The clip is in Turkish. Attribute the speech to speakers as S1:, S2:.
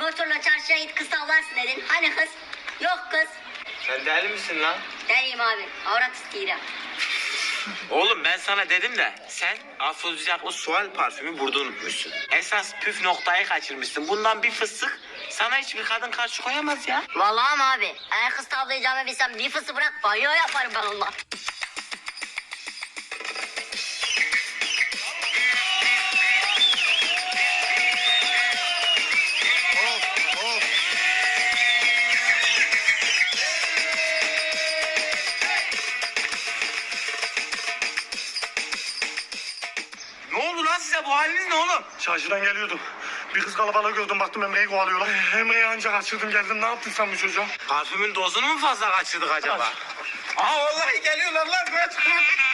S1: motorla çarşıya git kız tavlarsın dedin. Hani kız? Yok kız.
S2: Sen deli misin lan?
S1: Deliyim abi. Avrat isteğiyle.
S2: Oğlum ben sana dedim de sen afrodizyak sual parfümü burada unutmuşsun. Esas püf noktayı kaçırmışsın. Bundan bir fıstık sana hiçbir kadın karşı koyamaz ya.
S1: Vallahi mi abi? Eğer kız tavlayacağımı bilsem bir fısı bırak banyo yaparım ben onunla.
S2: Ne oldu lan size, bu haliniz ne oğlum?
S3: Çarşıdan geliyordum. Bir kız kalabalığı gördüm, baktım Emre'yi kovalıyorlar. Emre'yi ancak kaçırdım geldim. Ne yaptın sen bu çocuğa?
S2: Parfümün dozunu mu fazla kaçırdık acaba? Aa vallahi geliyorlar lan. Kaç.